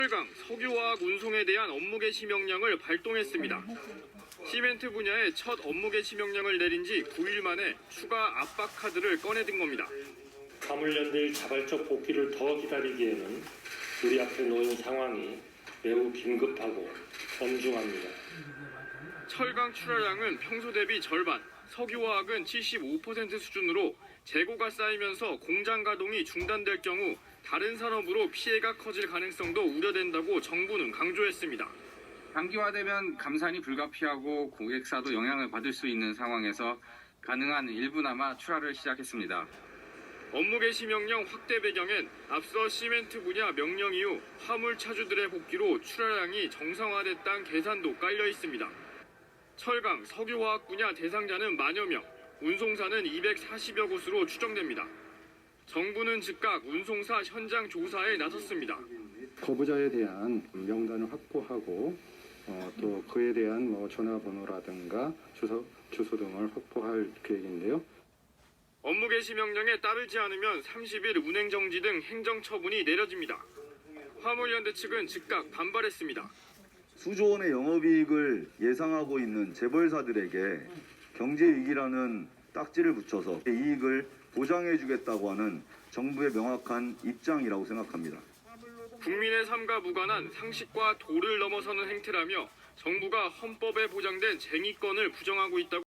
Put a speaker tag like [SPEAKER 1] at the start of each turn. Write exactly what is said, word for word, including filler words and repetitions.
[SPEAKER 1] 철강, 석유화학 운송에 대한 업무 개시 명령을 발동했습니다. 시멘트 분야의 첫 업무 개시 명령을 내린 지 구 일 만에 추가 압박 카드를 꺼내든 겁니다.
[SPEAKER 2] 화물연대의 자발적 복귀를 더 기다리기에는 우리 앞에 놓인 상황이 매우 긴급하고 엄중합니다.
[SPEAKER 1] 철강 출하량은 평소 대비 절반, 석유화학은 칠십오 퍼센트 수준으로 재고가 쌓이면서 공장 가동이 중단될 경우 다른 산업으로 피해가 커질 가능성도 우려된다고 정부는 강조했습니다.
[SPEAKER 3] 단기화되면 감산이 불가피하고 고객사도 영향을 받을 수 있는 상황에서 가능한 일부나마 출하를 시작했습니다.
[SPEAKER 1] 업무 개시 명령 확대 배경엔 앞서 시멘트 분야 명령 이후 화물 차주들의 복귀로 출하량이 정상화됐다는 계산도 깔려 있습니다. 철강, 석유화학 분야 대상자는 만여 명, 운송사는 이백사십여 곳으로 추정됩니다. 정부는 즉각 운송사 현장 조사에 나섰습니다.
[SPEAKER 4] 거부자에 대한 명단을 확보하고 어, 또 그에 대한 뭐 전화번호라든가 주소, 주소 등을 확보할 계획인데요.
[SPEAKER 1] 업무 개시 명령에 따르지 않으면 삼십 일 운행 정지 등 행정 처분이 내려집니다. 화물연대 측은 즉각 반발했습니다.
[SPEAKER 5] 수조 원의 영업이익을 예상하고 있는 재벌사들에게 경제위기라는 딱지를 붙여서 이익을 보장해주겠다고 하는 정부의 명확한 입장이라고 생각합니다.
[SPEAKER 1] 국민의 삶과 무관한 상식과 도를 넘어서는 행태라며 정부가 헌법에 보장된 쟁의권을 부정하고 있다고